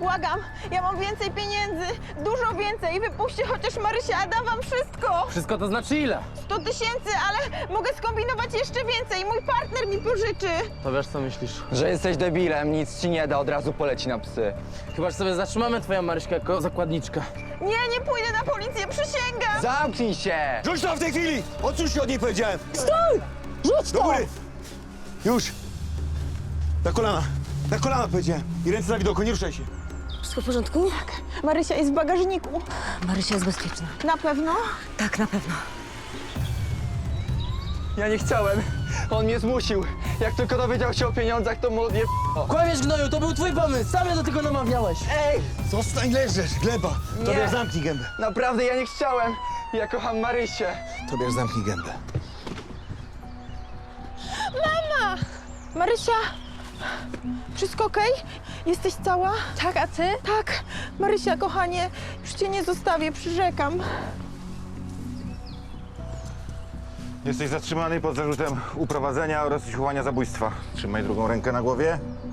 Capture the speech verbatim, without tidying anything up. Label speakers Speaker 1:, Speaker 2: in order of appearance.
Speaker 1: Błagam, ja mam więcej pieniędzy, dużo więcej. Wypuśćcie chociaż Marysię, a dam wam wszystko.
Speaker 2: Wszystko to znaczy ile?
Speaker 1: sto tysięcy, ale mogę skombinować jeszcze więcej. Mój partner mi pożyczy.
Speaker 2: To wiesz, co myślisz?
Speaker 3: Że jesteś debilem, nic ci nie da, od razu poleci na psy.
Speaker 2: Chyba, że sobie zatrzymamy twoją Maryśkę jako zakładniczkę.
Speaker 1: Nie, nie pójdę na policję, przysięgam.
Speaker 3: Zamknij się!
Speaker 4: Rzuć to w tej chwili! Odsuń się od niej, powiedziałem!
Speaker 1: Stój! Rzuć
Speaker 4: Do
Speaker 1: to!
Speaker 4: góry! Już! Na kolana! Na kolana, powiedziałem! I ręce na widoku, nie ruszaj się!
Speaker 5: Wszystko w porządku?
Speaker 1: Marysia jest w bagażniku.
Speaker 5: Marysia jest bezpieczna.
Speaker 1: Na pewno?
Speaker 5: Tak, na pewno.
Speaker 3: Ja nie chciałem. On mnie zmusił. Jak tylko dowiedział się o pieniądzach, to mu odje...
Speaker 2: Kłamiesz, gnoju, to był twój pomysł! Sam mnie do tego namawiałeś!
Speaker 3: Ej!
Speaker 4: Zostań, leżysz, gleba! Tobiasz, zamknij gębę!
Speaker 3: Naprawdę, ja nie chciałem. Ja kocham Marysię.
Speaker 4: Tobiasz, zamknij gębę.
Speaker 1: Marysia, wszystko okej? Jesteś cała?
Speaker 5: Tak, a ty?
Speaker 1: Tak. Marysia, kochanie, już cię nie zostawię, przyrzekam.
Speaker 6: Jesteś zatrzymany pod zarzutem uprowadzenia oraz usiłowania zabójstwa. Trzymaj drugą rękę na głowie.